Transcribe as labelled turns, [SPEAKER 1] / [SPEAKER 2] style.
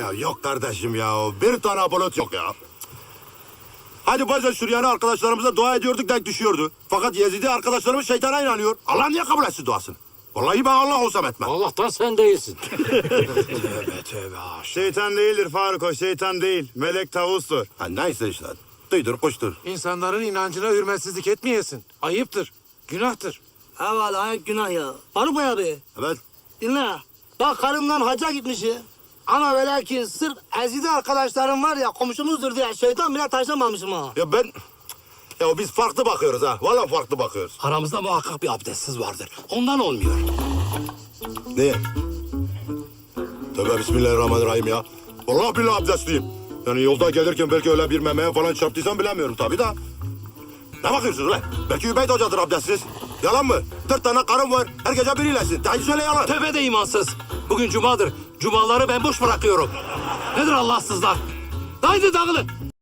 [SPEAKER 1] Ya yok kardeşim ya. Bir tane Apolot yok ya. Hadi bazen Süryani arkadaşlarımıza dua ediyorduk, denk düşüyordu. Fakat Yezidi arkadaşlarımız şeytana inanıyor. Allah niye kabul etsin duasını? Vallahi ben Allah olsam etmem.
[SPEAKER 2] Allah'tan sen değilsin.
[SPEAKER 1] Tövbe tövbe.
[SPEAKER 3] Şeytan değildir Faruk, o şeytan değil. Melek tavustur.
[SPEAKER 1] Ha, neyse işte. Duydur kuştur.
[SPEAKER 4] İnsanların inancına hürmetsizlik etmeyesin. Ayıptır, günahtır.
[SPEAKER 5] Evvela ayıp günah ya. Faruk Bey abi
[SPEAKER 1] Evet.
[SPEAKER 5] dinle. Bak karımdan hacca gitmişim. Ama ve lakin sırf ezide arkadaşlarım var ya komşumuzdur diye şeytan bile taşlamamışım ha.
[SPEAKER 1] Ya ben... Ya biz farklı bakıyoruz ha. Vallahi farklı bakıyoruz.
[SPEAKER 2] Aramızda muhakkak bir abdestsiz vardır. Ondan olmuyor.
[SPEAKER 1] Niye? Tövbe bismillahirrahmanirrahim ya. Vallahi billahi abdestliyim. Yani yolda gelirken belki öyle bir memeye falan çarptıysam bilemiyorum tabii da. Ne bakıyorsunuz lan? Belki Übeyt Hoca'dır abdestsiz. Yalan mı? 4 tane karım var. Her gece biriylesin. Daha söyle yalan.
[SPEAKER 2] Tövbe de imansız. Bugün cumadır. Cumaları ben boş bırakıyorum. Nedir Allahsızlar? Haydi dağılın.